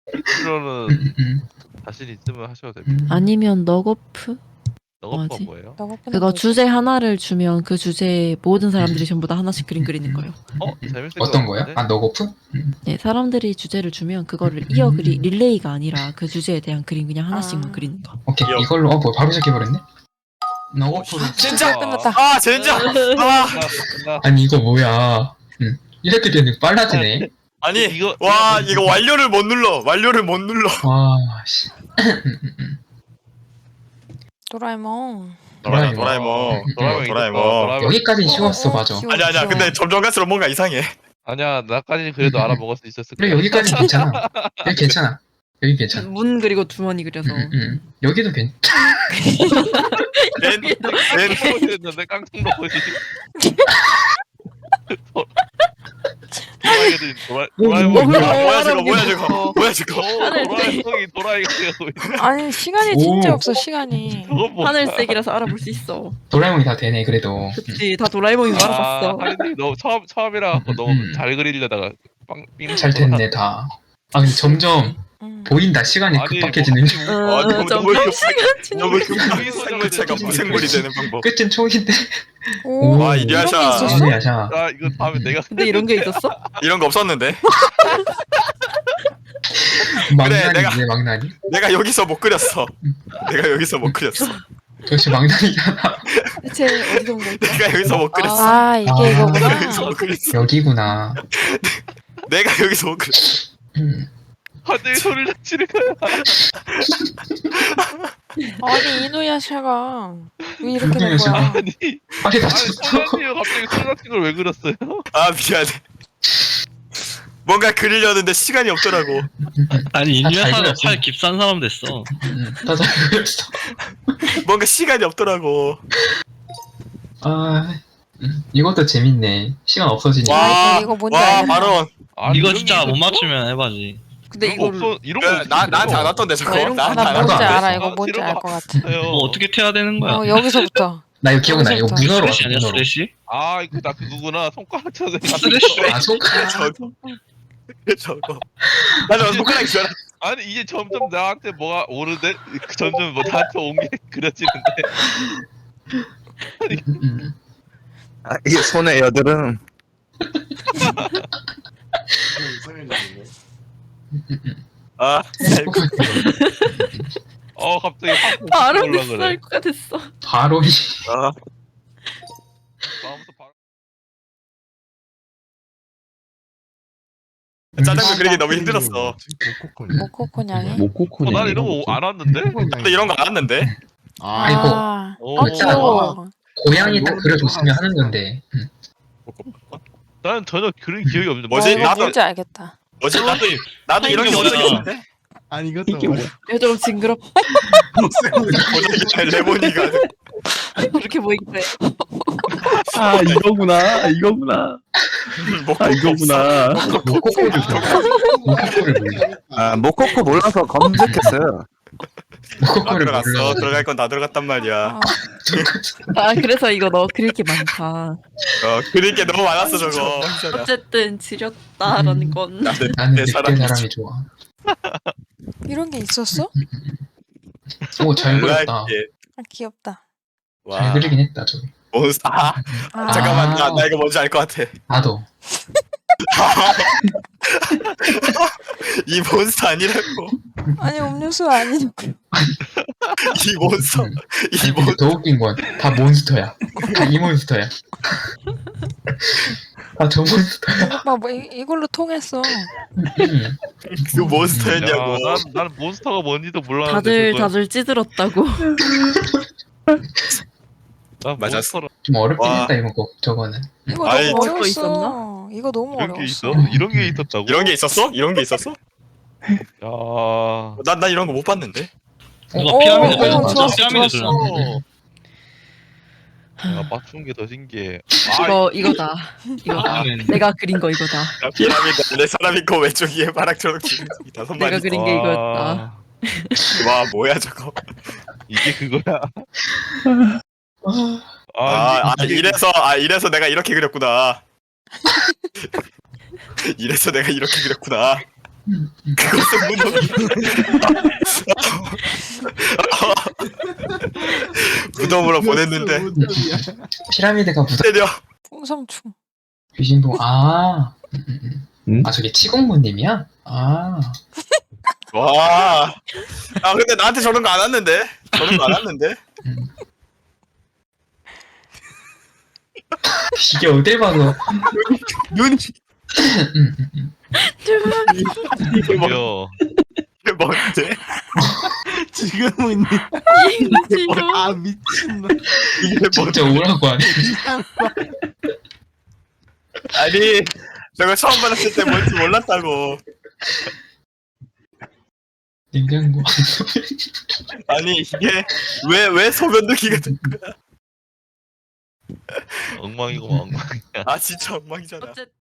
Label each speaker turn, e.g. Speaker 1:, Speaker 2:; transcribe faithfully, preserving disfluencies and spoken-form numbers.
Speaker 1: 실로는
Speaker 2: 음, 음.
Speaker 1: 자신 있으면 하셔도 됩니다.
Speaker 3: 아니면 너거프?
Speaker 1: 너거프가
Speaker 3: 뭐지?
Speaker 1: 뭐예요?
Speaker 3: 그거 주제 하나를 주면 그 주제에 모든 사람들이 전부 다 하나씩 그림 그리는 거예요.
Speaker 1: 어? 재밌을
Speaker 2: 어떤
Speaker 1: 것
Speaker 2: 거야?
Speaker 1: 같은데?
Speaker 2: 아 너거프? 음.
Speaker 3: 네, 사람들이 주제를 주면 그거를 이어 그리 릴레이가 아니라 그 주제에 대한 그림 그냥 하나씩만
Speaker 4: 아.
Speaker 3: 그리는 거.
Speaker 2: 오케이
Speaker 5: 귀여워.
Speaker 2: 이걸로 어 뭐 바로 시작해버렸네? 너거프로
Speaker 5: 진짜
Speaker 4: 끝났다.
Speaker 5: 아 젠장. 아
Speaker 1: 끝났어, 끝났어.
Speaker 2: 아니 이거 뭐야? 음. 이렇게 되면 빨라지네.
Speaker 5: 아니
Speaker 1: 이거-
Speaker 5: 와
Speaker 1: 이거
Speaker 5: 이거 완료를 못 눌러. 완료를 못 눌러.
Speaker 2: 와 씨. 음, 음, 음.
Speaker 4: 도라에몽.
Speaker 5: 도라에몽.
Speaker 1: 도라에몽
Speaker 5: 도라에몽.
Speaker 1: 도라에몽
Speaker 5: 도라에몽.
Speaker 2: 여기까지 쉬웠어
Speaker 4: 어, 어,
Speaker 2: 맞아.
Speaker 4: 귀여워,
Speaker 5: 아니 아니야.
Speaker 4: 귀여워.
Speaker 5: 근데 점점 갈수록 뭔가 이상해.
Speaker 1: 아니야 나까지 그래도 알아먹을 수 있었을
Speaker 2: 그래
Speaker 1: 거야.
Speaker 2: 여기까지 괜찮아. 여기 괜찮아. 여기 괜찮아.
Speaker 3: 문 그리고 주머니 그려서.
Speaker 2: 음, 음, 음. 여기도 괜.
Speaker 5: 렌, 렌,
Speaker 1: 깡통로였는데 깡통로지. 도라이들이 도라 도라에몽
Speaker 3: 어,
Speaker 5: 뭐야 뭐야 저거
Speaker 3: 알아보겠어.
Speaker 5: 뭐야 저거 뭐야 저거.
Speaker 1: 도라에몽이 도라이가 되고 있어.
Speaker 4: 아니 시간이 진짜
Speaker 2: 오.
Speaker 4: 없어 시간이.
Speaker 1: 저건 뭐야?
Speaker 3: 하늘색이라서 알아볼 수 있어.
Speaker 2: 도라에몽이 다 되네 그래도.
Speaker 3: 그치, 다 도라에몽인 거
Speaker 1: 아,
Speaker 3: 알아봤어.
Speaker 1: 하린이 너무 처음 처음이라 갖고 너무
Speaker 2: 음.
Speaker 1: 잘 그리려다가 빵 삥.
Speaker 2: 잘 됐네 다. 아 근데 점점
Speaker 4: 음.
Speaker 2: 보인다 시간이
Speaker 1: 아니,
Speaker 2: 급박해지는.
Speaker 1: 뭐,
Speaker 3: 어,
Speaker 5: 아, 너무-
Speaker 3: 점점
Speaker 5: 너무
Speaker 3: 시간
Speaker 5: 너무
Speaker 3: 지나고
Speaker 5: 급 생물체가 무생물이 되는 방법.
Speaker 2: 끝은 총인데.
Speaker 4: 오,
Speaker 5: 와,
Speaker 4: 이런 게
Speaker 5: 이리하샤.
Speaker 4: 있었어?
Speaker 2: 야샤.
Speaker 1: 아 이거 다음에 내가
Speaker 3: 근데 이런 게 있었어?
Speaker 5: 이런 거 없었는데.
Speaker 2: 망나니
Speaker 5: 내가-
Speaker 2: 왜 망나니?
Speaker 5: 내가 여기서 못 그렸어. 내가 여기서 못 그렸어.
Speaker 2: 역시 망나니잖아.
Speaker 4: 대체 어디서 온 거야?
Speaker 5: 내가 여기서 못 그렸어.
Speaker 4: 아 이게
Speaker 2: 아.
Speaker 4: 이거구나.
Speaker 5: 내가 여기서 못 그렸어.
Speaker 2: 여기구나.
Speaker 5: 내가 여기서 못 그렸어.
Speaker 2: 음.
Speaker 1: 하늘이 소리를 지르거야
Speaker 4: 아니 이누야샤가 왜 이렇게 된
Speaker 2: 이누야샤.
Speaker 4: 거야?
Speaker 1: 아니
Speaker 2: 팔이
Speaker 1: 아니
Speaker 2: 다쳤어.
Speaker 1: 소라니가 갑자기 술 같은 걸 왜 그렸어요?
Speaker 5: 아 미안해. 뭔가 그리려는데 시간이 없더라고.
Speaker 6: 아니
Speaker 2: 아, 잘
Speaker 6: 인류사는
Speaker 2: 그렸어.
Speaker 6: 팔 깁싼 사람 됐어.
Speaker 2: 음, 다잘 그렸어.
Speaker 5: 뭔가 시간이 없더라고.
Speaker 2: 아, 음, 이것도 재밌네. 시간 없어지니까.
Speaker 5: 와,
Speaker 4: 아, 이거 뭔지
Speaker 5: 와
Speaker 4: 알겠다.
Speaker 5: 바로
Speaker 1: 아니,
Speaker 6: 이거
Speaker 1: 이런
Speaker 6: 진짜
Speaker 1: 게
Speaker 6: 못
Speaker 1: 있었어?
Speaker 6: 맞추면 해봐지.
Speaker 3: 근데
Speaker 1: 이런 거
Speaker 3: 이거
Speaker 1: 없어 이런 거
Speaker 5: 그,
Speaker 1: 어떻게
Speaker 5: 나
Speaker 1: 그려?
Speaker 5: 나한테 안 왔던데 저거.
Speaker 3: 나 이런 거
Speaker 5: 나한테
Speaker 4: 나
Speaker 5: 안
Speaker 2: 나도
Speaker 4: 뭔지
Speaker 2: 안
Speaker 4: 알아.
Speaker 2: 했어.
Speaker 4: 이거 뭔지
Speaker 1: 이런
Speaker 4: 알
Speaker 1: 거
Speaker 4: 것 같아.
Speaker 1: 왔어요.
Speaker 6: 뭐 어떻게 태야 되는 거야?
Speaker 4: 어 여기서부터.
Speaker 2: 나 이거 기억나. 이거
Speaker 4: 여기서부터.
Speaker 2: 문어로
Speaker 6: 스레시
Speaker 2: 왔어,
Speaker 6: 아니야
Speaker 2: 문어로.
Speaker 6: 스레시?
Speaker 1: 아 이거 나 그거구나 손가락 쳐서
Speaker 6: 스레시.
Speaker 2: 아, 손가락.
Speaker 5: 저거. 저거. 나 저거 손가락이 줄 알아.
Speaker 1: 아니 이게 점점 나한테 뭐가 오르데 점점 뭐 나한테 온 게 그려지는데
Speaker 2: 음, 음.
Speaker 7: 아, 이게 손의 여드름.
Speaker 5: 아,
Speaker 1: 어 갑자기 확
Speaker 3: 바로
Speaker 1: 올라
Speaker 3: 됐어
Speaker 1: 그래.
Speaker 3: 할 거가 됐어.
Speaker 2: 바로 이.
Speaker 5: 아.
Speaker 1: 마음부터 바로
Speaker 5: 짜장면 그리기 너무 힘들었어.
Speaker 4: 모코코냥이.
Speaker 7: 모코코네.
Speaker 1: 어, 난 이런 거 안 왔는데?
Speaker 5: 근데 이런 거 안 왔는데.
Speaker 2: 아이고.
Speaker 4: 아,
Speaker 1: 오,
Speaker 4: 아 귀여워.
Speaker 2: 고양이 딱 그려줬으면 하는 건데. 음.
Speaker 1: 나는 전혀 그런 기억이 없는데
Speaker 5: 뭐지?
Speaker 4: 어, 이거
Speaker 5: 나도-
Speaker 4: 뭔지 알겠다.
Speaker 5: 뭐지? 나도 나도 이런 게
Speaker 6: 이게
Speaker 5: 먼저
Speaker 6: 뭐야?
Speaker 5: 있었는데.
Speaker 7: 아니 이것도 뭐야?
Speaker 3: 이거 좀 징그럽.
Speaker 5: 어제 레몬이가
Speaker 3: 그렇게 보이기도 해.
Speaker 7: 아 이거구나. 이거구나. 아 이거구나.
Speaker 2: 모코코를 모코코를 몰라.
Speaker 7: 아 모코코 몰라서 검색했어요.
Speaker 5: 다
Speaker 2: 모코코를
Speaker 5: 들어갔어.
Speaker 2: 몰라.
Speaker 5: 들어갈 건 다 들어갔단 말이야.
Speaker 4: 아,
Speaker 3: 아 그래서 이거 너 그릴 게 많다.
Speaker 5: 어, 그릴 게 너무 많았어 저거.
Speaker 3: 어쨌든 지렸다라는 건.
Speaker 5: 나는
Speaker 2: 나는
Speaker 5: 내
Speaker 2: 늑대
Speaker 5: 사람이지.
Speaker 2: 사람이 좋아.
Speaker 4: 이런 게 있었어?
Speaker 2: 오, 잘
Speaker 5: 뭐야
Speaker 2: 그렸다.
Speaker 5: 이게.
Speaker 4: 아 귀엽다.
Speaker 5: 와.
Speaker 2: 잘 그리긴 했다, 저기.
Speaker 5: 몬스터. 아,
Speaker 4: 아,
Speaker 5: 잠깐만 나, 나 이거 뭔지 알 것 같아.
Speaker 2: 나도.
Speaker 5: 이 몬스터 아니라고.
Speaker 4: 아니 음료수 아니고.
Speaker 5: 이 몬스터. 이
Speaker 2: 아니, 근데
Speaker 5: 몬스터.
Speaker 2: 더 웃긴 건 다 몬스터야. 다 이 몬스터야. 아, 저 몬스터야.
Speaker 4: 오빠 뭐 이, 이걸로 통했어.
Speaker 2: 음.
Speaker 5: 그 몬스터였냐고.
Speaker 1: 야, 난, 난 몬스터가 뭔지도 몰랐는데
Speaker 3: 다들
Speaker 1: 그거.
Speaker 3: 다들 찌들었다고.
Speaker 1: 난
Speaker 5: 맞았어.
Speaker 1: 몬스터라
Speaker 2: 좀 어렵긴
Speaker 5: 와.
Speaker 2: 했다, 이거. 저거는.
Speaker 4: 이거
Speaker 5: 아이,
Speaker 4: 너무
Speaker 3: 저거
Speaker 4: 어려웠어. 이거 너무
Speaker 1: 이런 게
Speaker 4: 어려웠어.
Speaker 1: 있어? 이런 게 있었다고?
Speaker 5: 이런 게 있었어? 이런 게 있었어?
Speaker 1: 야
Speaker 5: 난 난 이런 거 못 봤는데.
Speaker 6: 누가
Speaker 4: 오,
Speaker 6: 피라미드
Speaker 4: 오,
Speaker 6: 그렸어?
Speaker 4: 좋았어,
Speaker 6: 피라미드
Speaker 4: 좋았어.
Speaker 6: 그렸어.
Speaker 1: 야 맞춘 게 더 신기해. 아,
Speaker 3: 이거 이거다. 이거다.
Speaker 6: 아,
Speaker 3: 내가 그린 거 이거다.
Speaker 5: 야, 피라미드 내 사람 있고 왼쪽 위에 바락처럼 이 다섯 마리.
Speaker 3: 내가 그린 게
Speaker 1: 와,
Speaker 3: 이거였다.
Speaker 5: 와 뭐야 저거.
Speaker 1: 이게 그거야.
Speaker 2: 아,
Speaker 1: 아,
Speaker 5: 아, 아
Speaker 1: 이게-
Speaker 5: 이래서 아 이래서 내가 이렇게 그렸구나. 이래서 내가 이렇게 그렸구나.
Speaker 2: 음, 음.
Speaker 5: 그것은 무덤이. 무덤으로 보냈는데
Speaker 8: 무덤이야.
Speaker 2: 피라미드가 무슨
Speaker 5: 때려.
Speaker 4: 풍성충.
Speaker 2: 귀신봉 아, 음, 음, 음.
Speaker 7: 음?
Speaker 2: 아 저게 치공무님이야? 아,
Speaker 5: 와. 아 근데 나한테 저런 거 안 왔는데. 저런 거 안 왔는데.
Speaker 2: 음. 이게 어딜 봐도
Speaker 5: 눈이
Speaker 2: 음, 음, 음.
Speaker 5: 이게 뭐
Speaker 1: 야,
Speaker 5: 이게 뭔데?
Speaker 8: 지금은
Speaker 3: 지금
Speaker 8: 아 미친놈.
Speaker 5: 이게 뭔데?
Speaker 2: 진짜 오라고 하네.
Speaker 5: 아니 저거 처음 받았을 때 뭔지 몰랐다고.
Speaker 2: 냉장고.
Speaker 5: 아니 이게 왜 왜 소변 느끼게 된 거야?
Speaker 1: 엉망이고 엉망.
Speaker 5: 아 진짜 엉망이잖아.
Speaker 3: 어쨌든